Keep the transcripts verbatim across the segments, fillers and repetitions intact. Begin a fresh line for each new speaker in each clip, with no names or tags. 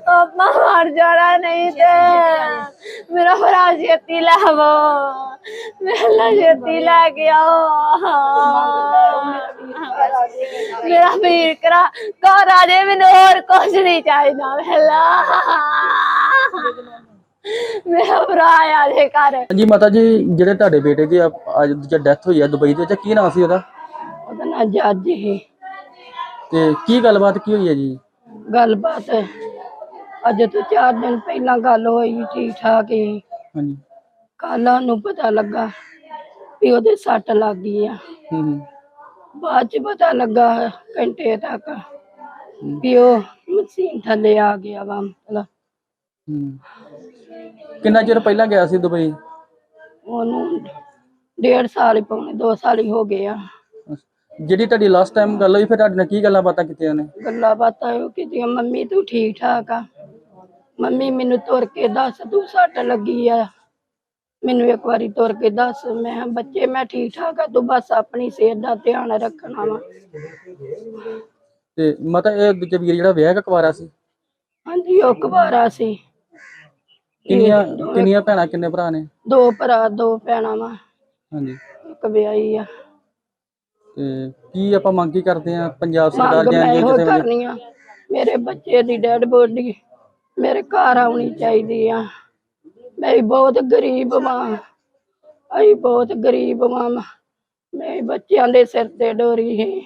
ਆਪਾਂ ਮਰ ਜਾਣਾ ਨਹੀਂ ਤੇ ਮੇਰਾ ਭਰਾ ਛੇਤੀ ਲਾਵੋ ਮੇਰਾ ਛੇਤੀ ਲੈ ਕੇ ਆਓ ਮੇਰਾ ਵੀਰ ਕਰਾ ਘਰ ਆ ਜੇ ਮੈਨੂੰ ਹੋਰ ਕੁਝ ਨਹੀਂ ਚਾਹੀਦਾ ਪਹਿਲਾ ਮੇਰਾ ਭਰਾ ਆ ਜੇ ਘਰ।
ਜੀ ਮਾਤਾ ਜੀ ਜਿਹੜੇ ਤੁਹਾਡੇ ਬੇਟੇ ਦੀ ਅੱਜ ਦੀ ਡੈਥ ਹੋਈ ਹੈ ਦੁਬਈ ਦੇ ਵਿੱਚ ਕੀ ਨਾਮ ਸੀ ਉਹਦਾ?
ਉਹਦਾ ਨਾਂ ਜੱਜ ਹੀ।
ਤੇ ਕੀ ਗੱਲਬਾਤ ਕੀ ਹੋਈ ਹੈ ਜੀ?
ਗੱਲਬਾਤ ਅੱਜ ਤੋਂ ਚਾਰ ਦਿਨ ਪਹਿਲਾਂ ਗੱਲ ਹੋਈ ਠੀਕ ਠਾਕ ਹੀ।
ਹਾਂਜੀ।
ਕੱਲ ਨੂੰ ਪਤਾ ਲੱਗਾ ਵੀ ਉਹਦੇ ਸੱਟ ਲੱਗ ਗਈ ਆ।
ਹੂੰ।
ਬਾਅਦ ਚ ਪਤਾ ਲੱਗਾ ਘੰਟੇ ਤੱਕ ਵੀ ਉਹ ਮਸ਼ੀਨ ਥੱਲੇ ਆ ਗਿਆ ਵਾ ਮਤਲਬ।
ਹੂੰ। ਕਿੰਨਾ ਚਿਰ ਪਹਿਲਾਂ ਗਿਆ ਸੀ ਦੁਬਈ?
ਉਹਨੂੰ ਡੇਢ ਸਾਲ ਹੀ ਪੌਣੇ ਦੋ ਸਾਲ ਹੀ ਹੋ ਗਏ ਆ।
ਜਿਹੜੀ ਤੁਹਾਡੀ ਲਾਸਟ ਟਾਈਮ ਗੱਲ ਹੋਈ ਫਿਰ ਤੁਹਾਡੇ ਨਾਲ ਕੀ ਗੱਲਾਂ ਬਾਤਾਂ ਕੀਤੀਆਂ ਨੇ?
ਗੱਲਾਂ ਬਾਤਾਂ ਉਹ ਕੀਤੀਆਂ ਮੰਮੀ ਤੂੰ ਠੀਕ ਠਾਕ ਆ, ਮੰਮੀ ਮੈਨੂੰ ਤੁਰ ਕੇ ਦੱਸ ਤੂੰ ਸੱਟ ਲੱਗੀ ਆ, ਮੈਨੂੰ ਇੱਕ ਵਾਰੀ ਤੁਰ ਕੇ ਦੱਸ। ਮੈਂ ਬੱਚੇ ਮੈਂ ਠੀਕ ਠਾਕ ਆ, ਤੂੰ ਬਸ ਆਪਣੀ ਸਿਹਤ ਦਾ ਧਿਆਨ ਰੱਖਣਾ ਵਾ।
ਤੇ ਮਾਤਾ ਇਹ ਦੂਜਾ ਵੀਰ ਜਿਹੜਾ ਵਿਆਹ ਕਕਵਾਰਾ ਸੀ?
ਹਾਂਜੀ ਉਹ ਕੁਵਾਰਾ ਸੀ।
ਕਿੰਨੀਆਂ ਕਿੰਨੀਆਂ ਭੈਣਾਂ ਕਿੰਨੇ ਭਰਾ ਨੇ?
ਦੋ ਭਰਾ ਦੋ ਭੈਣਾਂ ਵਾ।
ਹਾਂਜੀ।
ਇੱਕ ਵਿਆਹੀ ਆ।
ਤੇ ਕੀ ਆਪਾਂ ਮੰਗ ਕੀ ਕਰਦੇ ਆ ਪੰਜਾਬ ਸਰਕਾਰ
ਮੰਗ ਮੈਂ
ਜਾਂ
ਇਹੋ
ਕਿਸੇ
ਕਰਨੀ ਆ ਮੇਰੇ ਬੱਚੇ ਦੀ ਡੈਡ ਬੋਡੀ ਮੇਰੇ ਘਰ ਆਉਣੀ ਚਾਹੀਦੀ ਆ। ਮੈਂ ਬਹੁਤ ਗਰੀਬ ਮਾਂ, ਅਸੀਂ ਬਹੁਤ ਗਰੀਬ ਮਾਂ, ਮੇਰੇ ਬੱਚਿਆਂ ਦੇ ਸਿਰ ਤੇ ਡੋਰੀ ਹੈ।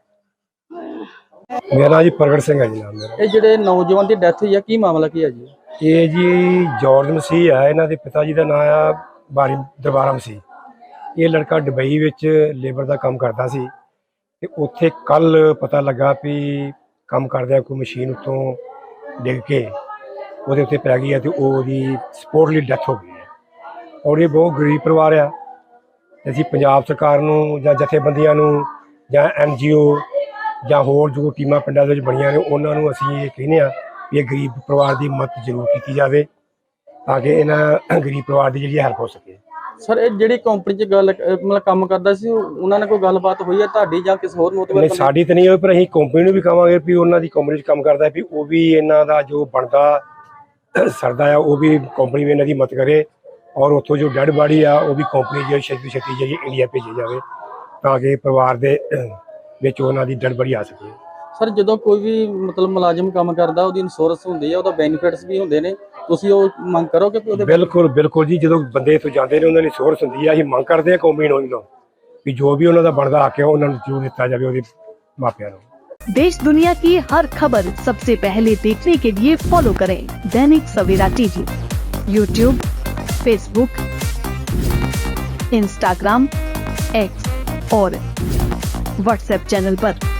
ਮੇਰਾ ਜੀ ਪ੍ਰਗਟ ਸਿੰਘ ਹੈ ਜੀ ਨਾਮ ਮੇਰਾ।
ਇਹ ਜਿਹੜੇ ਨੌਜਵਾਨ ਦੀ ਡੈਥ ਹੋਈ ਆ ਕੀ ਮਾਮਲਾ ਕੀ ਹੈ ਜੀ?
ਇਹ ਜੀ ਜਾਰਜ ਮਸੀਹ ਆ, ਇਹਨਾਂ ਦੇ ਪਿਤਾ ਜੀ ਦਾ ਨਾਮ ਆ ਬਾਰੀ ਦਰਬਾਰਾ ਮਸੀਹ। ਇਹ ਲੜਕਾ ਦੁਬਈ ਵਿੱਚ ਲੇਬਰ ਦਾ ਕੰਮ ਕਰਦਾ ਸੀ ਤੇ ਉੱਥੇ ਕੱਲ ਪਤਾ ਲੱਗਾ ਵੀ ਕੰਮ ਕਰਦਿਆਂ ਕੋਈ ਮਸ਼ੀਨ ਉੱਤੋਂ ਡਿੱਗ ਕੇ ਉਹਦੇ ਉੱਤੇ ਪੈ ਗਈ ਹੈ ਤੇ ਉਹਦੀ ਸਪੋਰਟਲੀ ਡੈਥ ਹੋ ਗਈ ਹੈ। ਔਰ ਇਹ ਬਹੁਤ ਗਰੀਬ ਪਰਿਵਾਰ ਆ। ਅਸੀਂ ਪੰਜਾਬ ਸਰਕਾਰ ਨੂੰ ਜਾਂ ਜਥੇਬੰਦੀਆਂ ਨੂੰ ਜਾਂ ਐਨ ਜੀ ਓ ਜਾਂ ਹੋਰ ਜੋ ਟੀਮਾਂ ਪਿੰਡਾਂ ਦੇ ਵਿੱਚ ਬਣੀਆਂ ਨੇ ਉਹਨਾਂ ਨੂੰ ਅਸੀਂ ਇਹ ਕਹਿੰਦੇ ਹਾਂ ਵੀ ਇਹ ਗਰੀਬ ਪਰਿਵਾਰ ਦੀ ਮਦਦ ਜ਼ਰੂਰ ਕੀਤੀ ਜਾਵੇ ਤਾਂ ਕਿ ਇਹਨਾਂ ਗਰੀਬ ਪਰਿਵਾਰ ਦੀ ਜਿਹੜੀ ਹੈਲਪ ਹੋ ਸਕੇ।
ਸਰ ਇਹ ਜਿਹੜੀ ਕੰਪਨੀ 'ਚ ਗੱਲ ਮਤਲਬ ਕੰਮ ਕਰਦਾ ਸੀ ਉਹਨਾਂ ਨਾਲ ਕੋਈ ਗੱਲਬਾਤ ਹੋਈ ਹੈ ਤੁਹਾਡੀ ਜਾਂ ਕਿਸੇ ਹੋਰ ਮੋਤਬਰ?
ਨਹੀਂ ਸਾਡੀ ਤਾਂ ਨਹੀਂ ਹੋਈ, ਪਰ ਅਸੀਂ ਕੰਪਨੀ ਨੂੰ ਵੀ ਕਹਾਂਗੇ ਵੀ ਉਹਨਾਂ ਦੀ ਕੰਪਨੀ 'ਚ ਕੰਮ ਕਰਦਾ ਵੀ ਉਹ ਵੀ ਇਹਨਾਂ ਦਾ ਜੋ ਬਣਦਾ ਸਰਦਾ ਆ ਉਹ ਵੀ ਕੰਪਨੀ ਵੀ ਇਹਨਾਂ ਦੀ ਮਦਦ ਕਰੇ ਔਰ ਉੱਥੋਂ ਜੋ ਡੈਡ ਬਾਡੀ ਆ ਉਹ ਵੀ ਕੰਪਨੀ ਜਿਹੜੀ ਛੇਤੀ ਛੇਤੀ ਜਿਹੜੀ ਇੰਡੀਆ ਭੇਜੀ ਜਾਵੇ ਤਾਂ ਕਿ ਪਰਿਵਾਰ ਦੇ ਵਿੱਚ ਉਹਨਾਂ ਦੀ ਡੈਡ ਬਾਡੀ ਆ ਸਕੇ।
ਸਰ ਜਦੋਂ ਕੋਈ ਵੀ ਮਤਲਬ ਮੁਲਾਜ਼ਮ ਕੰਮ ਕਰਦਾ ਉਹਦੀ ਇੰਸ਼ੋਰੈਂਸ ਹੁੰਦੀ ਹੈ, ਉਹਦਾ ਬੈਨੀਫਿਟਸ ਵੀ ਹੁੰਦੇ ਨੇ, ਤੁਸੀਂ ਉਹ ਮੰਗ ਕਰੋਗੇ ਕਿ ਉਹਦੇ?
ਬਿਲਕੁਲ ਬਿਲਕੁਲ ਜੀ, ਜਦੋਂ ਬੰਦੇ ਇੱਥੋਂ ਜਾਂਦੇ ਨੇ ਉਹਨਾਂ ਦੀ ਇੰਸ਼ੋਰੈਂਸ ਹੁੰਦੀ ਆ। ਅਸੀਂ ਮੰਗ ਕਰਦੇ ਹਾਂ ਕੰਪਨੀ ਨੂੰ ਵੀ ਜੋ ਵੀ ਉਹਨਾਂ ਦਾ ਬਣਦਾ ਹੱਕ ਹੈ ਉਹਨਾਂ ਨੂੰ ਜ਼ਰੂਰ ਦਿੱਤਾ ਜਾਵੇ ਉਹਦੇ ਮਾਪਿਆਂ ਨੂੰ।
देश दुनिया की हर खबर सबसे पहले देखने के लिए फॉलो करें Dainik Savera TV, YouTube, Facebook, Instagram, X और व्हाट्सएप चैनल पर।